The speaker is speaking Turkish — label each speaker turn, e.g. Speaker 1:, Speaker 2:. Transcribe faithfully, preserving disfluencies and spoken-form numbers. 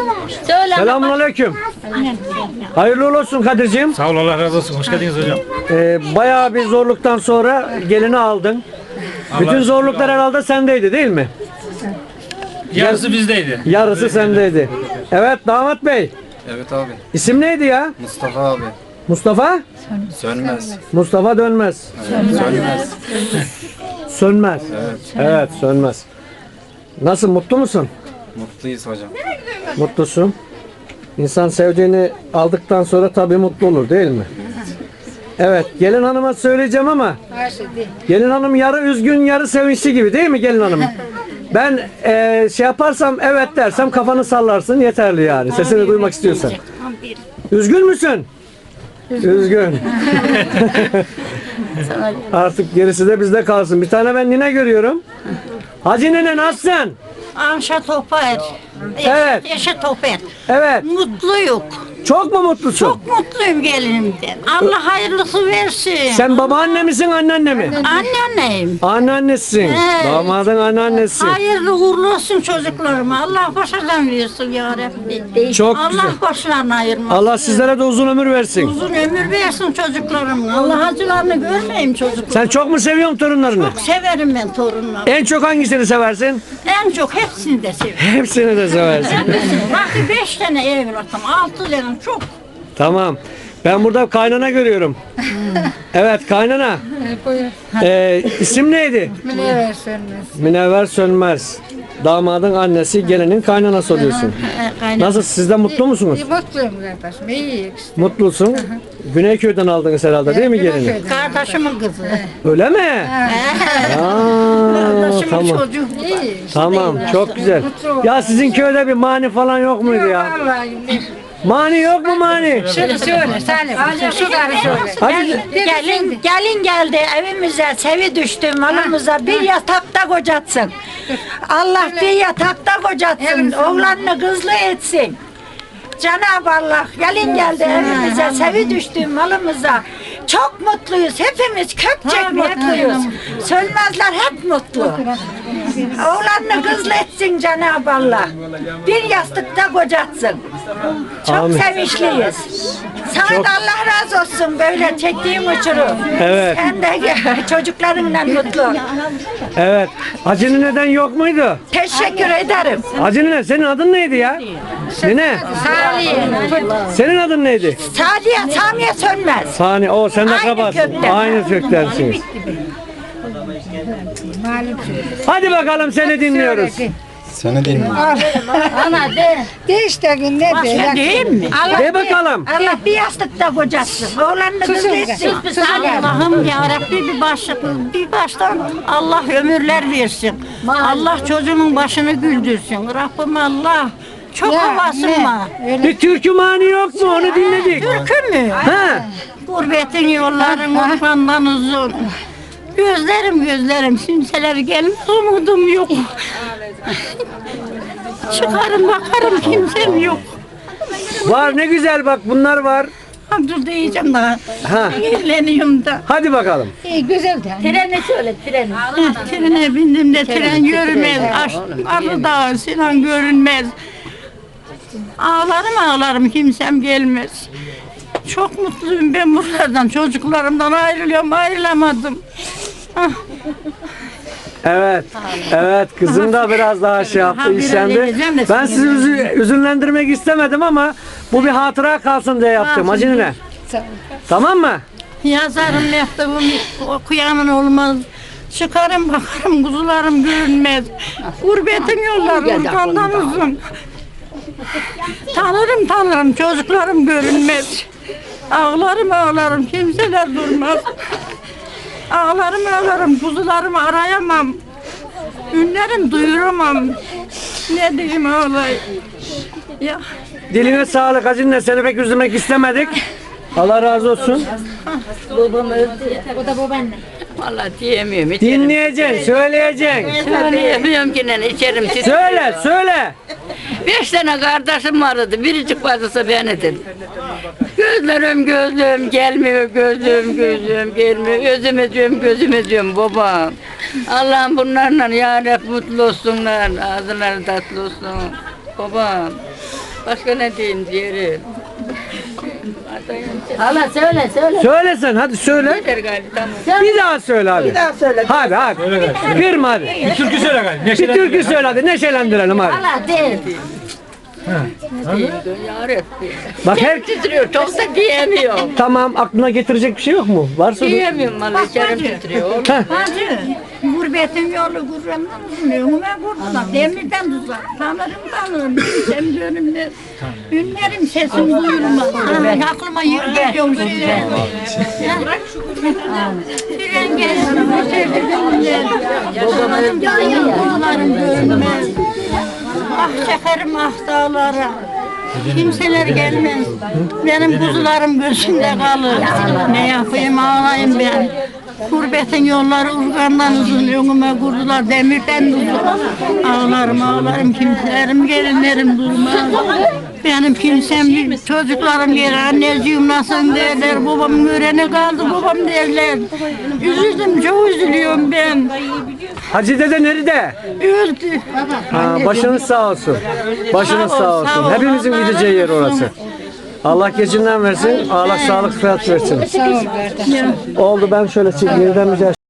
Speaker 1: Söyle.
Speaker 2: Selamünaleyküm. Hayırlı uğurlu olsun Kadir'ciğim.
Speaker 3: Sağ ol, Allah razı olsun. Hoş geldiniz hocam.
Speaker 2: Ee, bayağı bir zorluktan sonra gelini aldın. Bütün zorluklar herhalde sendeydi değil mi?
Speaker 3: Yarısı bizdeydi.
Speaker 2: Yarısı sendeydi. Evet damat bey.
Speaker 4: Evet abi.
Speaker 2: İsim neydi ya?
Speaker 4: Mustafa abi.
Speaker 2: Mustafa?
Speaker 4: Sönmez.
Speaker 2: Mustafa Dönmez.
Speaker 4: Sönmez.
Speaker 2: Sönmez.
Speaker 4: Evet.
Speaker 2: Evet sönmez. Nasıl mutlu musun?
Speaker 4: Mutluyuz hocam.
Speaker 2: Mutlusun. İnsan sevdiğini aldıktan sonra tabii mutlu olur değil mi? Evet gelin hanıma söyleyeceğim ama gelin hanım yarı üzgün yarı sevinçli gibi değil mi gelin hanım? Ben eee, şey yaparsam evet dersem kafanı sallarsın yeterli yani sesini duymak istiyorsan. Üzgün müsün? Üzgün. Artık gerisi de bizde kalsın. Bir tane ben nine görüyorum. Hacı nene nasılsın?
Speaker 1: Amşa Topar.
Speaker 2: Evet.
Speaker 1: Yaşa Topar.
Speaker 2: Evet.
Speaker 1: Mutluyuk.
Speaker 2: Çok mu mutlusun?
Speaker 1: Çok mutluyum gelinimden. Allah hayırlısı versin.
Speaker 2: Sen babaanne misin anneanne mi?
Speaker 1: Anneanneyim.
Speaker 2: Anneannesisin.
Speaker 1: Evet.
Speaker 2: Damadın anneannesi.
Speaker 1: Hayırlı uğurlu olsun çocuklarıma. Allah başarıdan versin ya Rabbi.
Speaker 2: Çok
Speaker 1: Allah
Speaker 2: güzel.
Speaker 1: başlarını ayırmasın.
Speaker 2: Allah sizlere de uzun ömür versin.
Speaker 1: Uzun ömür versin çocuklarıma. Allah acılarını görmeyeyim çocuklarım.
Speaker 2: Sen çok mu seviyorsun torunlarını?
Speaker 1: Çok severim ben torunlarımı.
Speaker 2: En çok hangisini seversin?
Speaker 1: En çok hepsini de severim.
Speaker 2: Hepsini de seversin.
Speaker 1: Bak beş tane evlatım, altı tane çok.
Speaker 2: Tamam. Ben burada kaynana görüyorum. Evet kaynana. Ee, isim neydi?
Speaker 5: Münevver Sönmez.
Speaker 2: Münevver Sönmez. Damadın annesi gelinin kaynanası oluyorsun. Nasıl siz de mutlu musunuz?
Speaker 5: İyi mutluyum kardeşim. İyi işte.
Speaker 2: Mutlusun. Güneyköy'den aldınız herhalde değil mi gelini?
Speaker 5: Güneyköy'den.
Speaker 1: Kardeşimin kızı.
Speaker 2: Öyle mi? Aa,
Speaker 1: Kardeşimin
Speaker 2: tamam.
Speaker 1: çocuğu.
Speaker 5: İyi.
Speaker 2: Tamam çok güzel. Ya sizin köyde bir mani falan yok muydu ya?
Speaker 5: Vallahi.
Speaker 2: Mani yok mu mani?
Speaker 5: Şunu söyle Salim. Şu karı söyle.
Speaker 2: Hadi.
Speaker 1: Gelin, gelin geldi evimize, sevi düştü malımıza bir yatakta kocatsın. Allah bir yatakta kocatsın, oğlanını kızlı etsin. Cenab-ı Allah gelin geldi evimize, sevi düştü malımıza. Çok mutluyuz, hepimiz kökçek mutluyuz. Sönmezler hep mutlu. Oğlanını kızlı etsin Cenab-ı Allah. Bir yastıkta kocatsın. Çok
Speaker 2: Amin.
Speaker 1: sevinçliyiz. Sana da Allah razı olsun böyle çektiğim uçurum.
Speaker 2: Evet.
Speaker 1: Sen de çocuklarınla mutlu.
Speaker 2: Evet. Hacı neden yok muydu?
Speaker 1: Teşekkür ederim.
Speaker 2: Hacı nene senin adın neydi ya? Nene
Speaker 5: Salih.
Speaker 2: senin adın neydi?
Speaker 1: Sadiye, Samiye Sönmez.
Speaker 2: Sani o sen de
Speaker 1: Aynı
Speaker 2: kabarsın.
Speaker 1: kökten.
Speaker 2: Aynı köktensiniz.
Speaker 5: Malum söyle.
Speaker 2: Hadi bakalım seni dinliyoruz.
Speaker 4: Seni dinliyorum.
Speaker 5: Ana de. De işte gün ne de.
Speaker 1: Değil mi? Allah,
Speaker 2: De bakalım.
Speaker 1: Allah bir yastıkta kocatsın. Oğlanını kızlı
Speaker 5: Susun
Speaker 1: etsin.
Speaker 5: kız, susun.
Speaker 1: Allah'ım ya Rabbi bir başlık, bir baştan Allah ömürler versin. Allah çocuğunun başını güldürsün. Rabbim Allah. Çok
Speaker 5: Ya,
Speaker 1: havasın
Speaker 5: ne?
Speaker 1: var.
Speaker 2: Bir türkü mani yok mu? Onu dinledik.
Speaker 1: Türkü mü?
Speaker 2: Ha.
Speaker 1: Gurbetin yolların ormandan uzun. Gözlerim gözlerim simseler gelmez umudum yok. Çıkarım bakarım kimsem yok.
Speaker 2: Var ne güzel bak bunlar var.
Speaker 1: Ha, dur diyeceğim daha.
Speaker 2: Ha.
Speaker 1: Eğleniyorum da.
Speaker 2: Hadi bakalım.
Speaker 5: İyi güzel de.
Speaker 1: Treni söyle treni. Trene bindim de tren görünmez. Aş, arı dağı Sinan görünmez. Ağlarım ağlarım kimsem gelmez. Çok mutluyum ben buralardan çocuklarımdan ayrılıyorum ayrılamadım. Ah.
Speaker 2: Evet. Evet kızım da biraz daha şey yaptı,
Speaker 1: Ha, biraz
Speaker 2: işlendi.
Speaker 1: eğleneceğim de
Speaker 2: Ben
Speaker 1: sizi
Speaker 2: sizi üzü- üzünlendirmek istemedim ama bu bir hatıra kalsın diye yaptım. Hacı nene. Tamam mı?
Speaker 1: Yazarım mektubum okuyanın olmaz. Çıkarım bakarım kuzularım görünmez. Gurbetin yolları urgandan uzun. Tanırım tanırım çocuklarım görünmez. Ağlarım ağlarım kimseler durmaz. Ağlarım ağlarım kuzularımı arayamam. Ünlerim duyuramam. Ne diyeyim ağlay. Ya.
Speaker 2: Diline sağlık Hacı nene. Seni pek üzülmek istemedik. Allah razı olsun.
Speaker 5: O da babaanne.
Speaker 6: Vallahi diyemiyorum. içerim.
Speaker 2: Dinleyeceksin, söyleyeceksin.
Speaker 6: Söyleyemiyorum ki ne içerim.
Speaker 2: Söyle, söyle.
Speaker 6: Beş tane kardeşim vardı. Biricik bacısı benidir. Gözlerim gözlüğüm gelmiyor, gözlüğüm gözlüğüm gelmiyor. Özüm diyorum, gözüm diyorum babam. Allah'ım bunlarla ya Rabbi mutlu olsunlar. Ağzları tatlı olsun. Babam. Başka ne diyeyim diyelim. Hala söyle söyle.
Speaker 2: Söyle sen hadi söyle.
Speaker 6: Yeter galiba tamam.
Speaker 2: Bir daha söyle hadi. Bir daha söyle. Hadi hadi. Kırma hadi.
Speaker 3: Bir türkü söyle galiba.
Speaker 2: Bir
Speaker 3: Neşelen.
Speaker 2: türkü söyle hadi neşelendirelim hadi.
Speaker 5: Allah de.
Speaker 6: Ya Rabbi.
Speaker 2: Bak her
Speaker 6: Titriyor çok da diyemiyorum.
Speaker 2: tamam aklına getirecek bir şey yok mu? Varsa da-
Speaker 6: Diyemiyorum vallahi içerim titriyor.
Speaker 1: Hacı, gurbetin yolu gurbetten uzun, önüme vurdular, demirden tuzak, tanırım tanırım, bilsem dönümler, ünlerim sesim duyulmaz, Ay, aklıma yer geliyor şöyle. Tren gelsin, öteki günler, babamın dağlarım görünmez, ah çekerim ah dağlara. Kimseler gelmez. Benim kuzularım gözümde kalır. Ne yapayım ağlayayım ben. Gurbetin yolları urgandan uzun önüme kurdular demirden uzun. Ağlarım ağlarım kimselerim gelinlerim durmaz. Benim kimsem çocuklarım gelir anneciğim nasılsın derler. Babam görene kaldı babam derler. Üzüldüm çok üzülüyorum ben.
Speaker 2: Hacı dede nerede?
Speaker 1: Öldü.
Speaker 2: Ha, başınız sağ olsun. Başınız
Speaker 1: Sağ ol,
Speaker 2: sağ olsun.
Speaker 1: sağ ol.
Speaker 2: Hepimizin
Speaker 1: Allah
Speaker 2: gideceği yer
Speaker 1: razı olsun.
Speaker 2: orası. Allah gecinden versin. Allah sağlık sıhhat versin. Oldu ben şöyle çekeyim. Yeniden bir